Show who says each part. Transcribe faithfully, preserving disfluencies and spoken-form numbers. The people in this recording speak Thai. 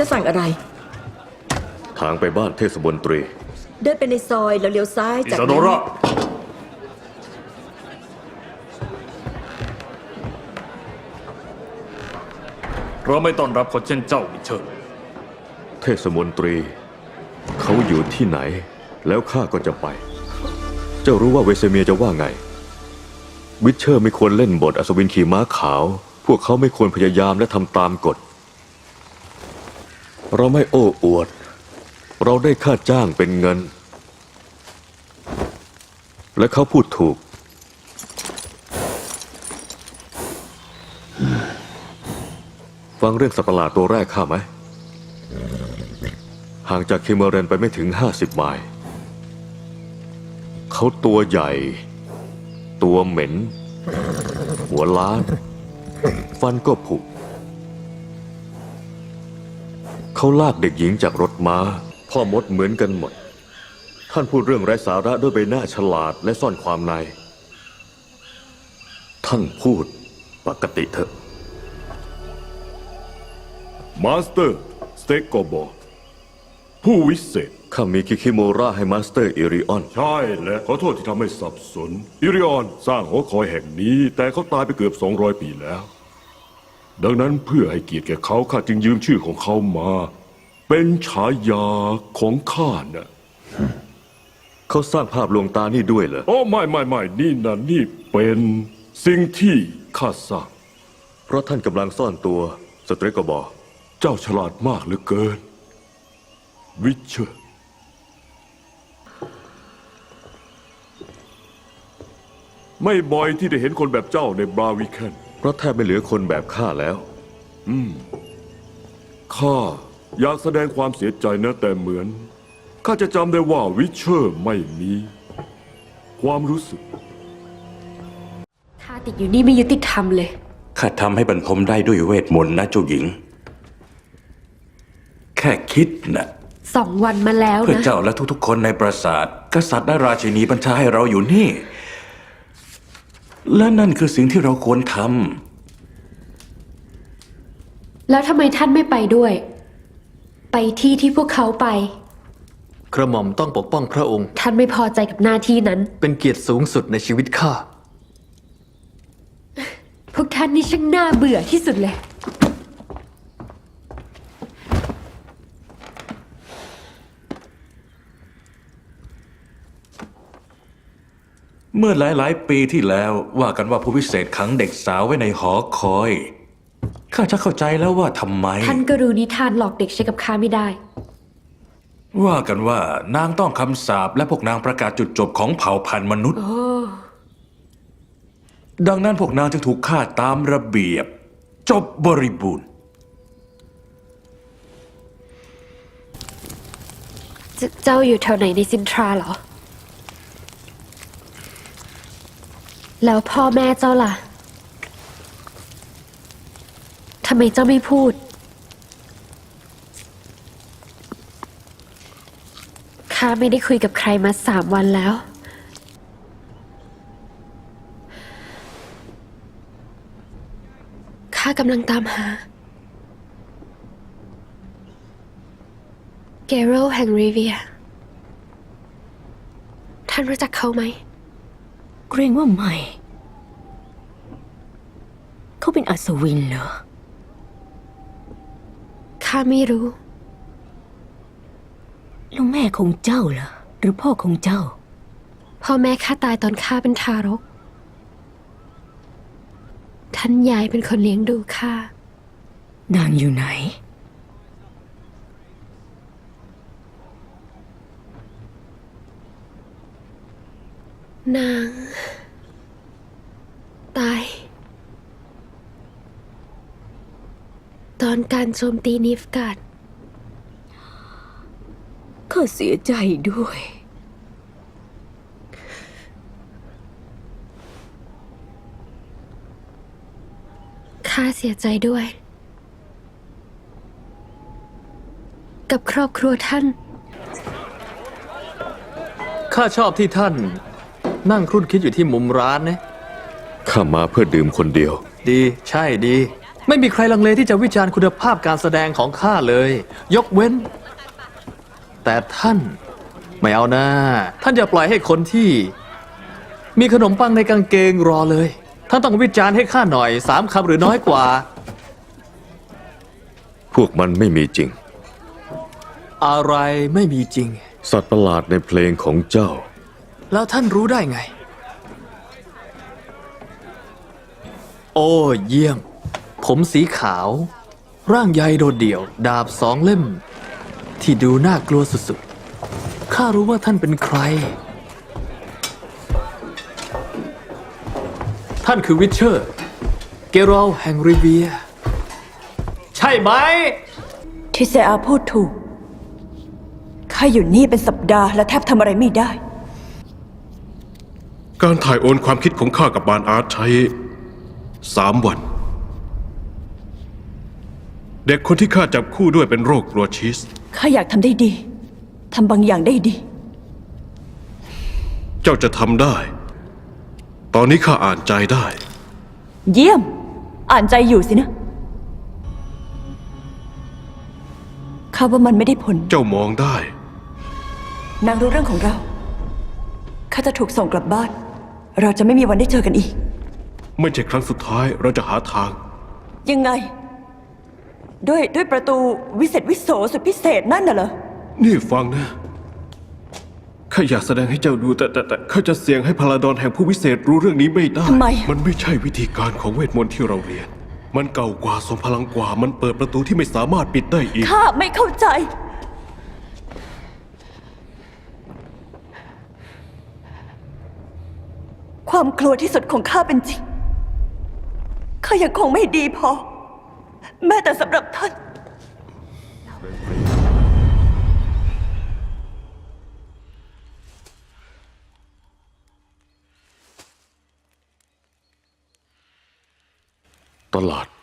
Speaker 1: จะสั่งอะไร
Speaker 2: ทางไปบ้านเทศมนตรี
Speaker 1: เดินไปในซอยแล้วเลี้ยวซ้ายจาก
Speaker 3: อิซาโดระเราไม่ต้อนรับคนเช่นเจ้ามิเชล
Speaker 2: เทศมนตรีเขาอยู่ที่ไหนแล้วข้าก็จะไปเจ้ารู้ว่าเวเซเมียจะว่าไงวิเชอร์ไม่ควรเล่นบทอัศวินขี่ม้าขาวพวกเขาไม่ควรพยายามและทำตามกฎเราไม่โอ้อวดเราได้ค่าจ้างเป็นเงินและเขาพูดถูกฟังเรื่องสัตว์ประหลาดตัวแรกข้าไหมห่างจากคิมเมอเรนไปไม่ถึงห้าสิบไมล์เขาตัวใหญ่ตัวเหม็นหัวล้านฟันก็ผุเขาลากเด็กหญิงจากรถม้าพ่อมดเหมือนกันหมดท่านพูดเรื่องไร้สาระด้วยใบหน้าฉลาดและซ่อนความในท่านพูดปกติเถอะ
Speaker 4: มาสเตอร์สเต็กโกโบผู้วิเศษ
Speaker 2: ข้ามีคิคิโมราให้มาสเตอร์อิริออน
Speaker 4: ใช่และขอโทษที่ทำให้สับสนอิริออนสร้างหอคอยแห่งนี้แต่เขาตายไปเกือบสองร้อยปีแล้วดังนั้นเพื่อให้เกียรติแก่เขาข้าจึงยืมชื่อของเขามาเป็นฉายาของข้าน่ะ
Speaker 2: เขาสร้างภาพลวงตานี่ด้วยเหรอ
Speaker 4: โอ้ไม่ไม่ไม่นี่นะนี่เป็นสิ่งที่ข้าสร้าง
Speaker 2: เพราะท่านกำลังซ่อนตัวสเตรกบอ
Speaker 4: เจ้าฉลาดมากเหลือเกินวิเชอร์ไม่บ่อยที่ได้เห็นคนแบบเจ้าในบราวิเคน
Speaker 2: เพราะแทบไม่เหลือคนแบบข้าแล้ว
Speaker 4: อืมข้าอยากแสดงความเสียใจนะแต่เหมือนข้าจะจำได้ว่าวิเชอร์ไม่มีความรู้สึก
Speaker 5: ข้าติดอยู่นี่ไม่ยุติธรรมเลย
Speaker 6: ข้าทำให้บรรทมได้ด้วยเวทมนต์นะเจ้าหญิงแค่คิดนะ
Speaker 5: สองวันมาแล้วนะ
Speaker 6: เพื่อเจ้าและทุกๆคนในปราสาทกษัตริย์และราชินีบัญชาให้เราอยู่นี่และนั่นคือสิ่งที่เราควรท
Speaker 5: ำแล้วทำไมท่านไม่ไปด้วยไปที่ที่พวกเขาไป
Speaker 7: กระหม่อมต้องปกป้องพระองค์
Speaker 5: ท่านไม่พอใจกับหน้าที่นั้น
Speaker 7: เป็นเกียรติสูงสุดในชีวิตข้า
Speaker 5: พวกท่านนี่ช่างน่าเบื่อที่สุดเลย
Speaker 6: เมื่อหลายๆปีที่แล้วว่ากันว่าผู้วิเศษขังเด็กสาวไว้ในหอคอยข้าจะเข้าใจแล้วว่าทำไม
Speaker 5: ท่านก็รู้นิทานหลอกเด็กใช้กับข้าไม่ได้
Speaker 6: ว่ากันว่านางต้องคำสาปและพวกนางประกาศจุดจบของเผ่าพันธุ์มนุษย์ดังนั้นพวกนางจึงถูกฆ่าตามระเบียบจบบริบูรณ์
Speaker 5: เจ้าอยู่แถวไหนในซินทราเหรอแล้วพ่อแม่เจ้าล่ะทำไมเจ้าไม่พูดข้าไม่ได้คุยกับใครมาสามวันแล้วข้ากำลังตามหาเกโรแห่งริเวียท่านรู้จักเขาไหม
Speaker 8: เกรงว่าไม่เขาเป็นอัศวินเหรอ
Speaker 5: ข้าไม่รู้
Speaker 8: แล้วแม่ของเจ้าล่ะหรือพ่อของเจ้า
Speaker 5: พ่อแม่ข้าตายตอนข้าเป็นทารกท่านยายเป็นคนเลี้ยงดูข้าน
Speaker 8: างอยู่ไหน
Speaker 5: นางตายตอนการโจมตีนิฟการ์ด
Speaker 8: ข้าเสียใจด้วย
Speaker 5: ข้าเสียใจด้วยกับครอบครัวท่าน
Speaker 7: ข้าชอบที่ท่านนั่งครุ่นคิดอยู่ที่มุมร้านนะ
Speaker 2: ข้ามาเพื่อดื่มคนเดียว
Speaker 7: ดีใช่ดีไม่มีใครลังเลที่จะวิจารณ์คุณภาพการแสดงของข้าเลย ยกเว้น แต่ท่าน ไม่เอานะท่านอย่าปล่อยให้คนที่ มีขนมปังในกางเกงรอเลย ท่านต้องวิจารณ์ให้ข้าหน่อยสามคำหรือน้อยกว่า
Speaker 2: พวกมันไม่มีจริง
Speaker 7: อะไรไม่มีจริง
Speaker 2: สัตว์ประหลาดในเพลงของเจ้า
Speaker 7: แล้วท่านรู้ได้ไง โอ้เยี่ยม ผมสีขาว ร่างใหญ่โดดเดี่ยว ดาบสองเล่ม ที่ดูน่ากลัวสุดๆ ข้ารู้ว่าท่านเป็นใคร ท่านคือวิชเชอร์ เกรอลแห่งริเวีย ใช่ไหม
Speaker 9: ที่เซอาพูดถูก ข้าอยู่นี่เป็นสัปดาห์และแทบทำอะไรไม่ได้
Speaker 4: การถ่ายโอนความคิดของข้ากับบานอาร์ตใช้สามวัน เด็กคนที่ข้าจับคู่ด้วยเป็นโรคกลัวชีส
Speaker 9: ข้าอยากทำได้ดี ทำบางอย่างได้ดี
Speaker 4: เจ้าจะทำได้ ตอนนี้ข้าอ่านใจได้
Speaker 9: เยี่ยม อ่านใจอยู่สินะ ข้าว่ามันไม่ได้ผล
Speaker 4: เจ้ามองได้
Speaker 9: นางรู้เรื่องของเรา ข้าจะถูกส่งกลับบ้าน เราจะไม่มีวันได้เจอกันอีก
Speaker 4: ไม่ใช่ครั้งสุดท้ายเราจะหาทาง
Speaker 9: ยังไง ด้วยด้วยประตูวิเศษวิโสสุดพิเศษนั่นน่ะเหรอ
Speaker 4: นี่ฟังนะข้าอยากแสดงให้เจ้าดูแต่แต่แต่ข้าจะเสี่ยงให้พลาดอนแห่งผู้วิเศษรู้เรื่องนี้ไม่ได้
Speaker 9: ทำไม
Speaker 4: มันไม่ใช่วิธีการของเวทมนต์ที่เราเรียน มันเก่ากว่าทรงพลังกว่า มันเปิดประตูที่ไม่สามารถปิดได้อีก
Speaker 9: ข้าไม่เข้าใจ ความกลัวที่สุดของข้าเป็นจริง ข้ายังคงไม่ดีพอ แม้แต่สำหรับท่าน
Speaker 2: ตลาด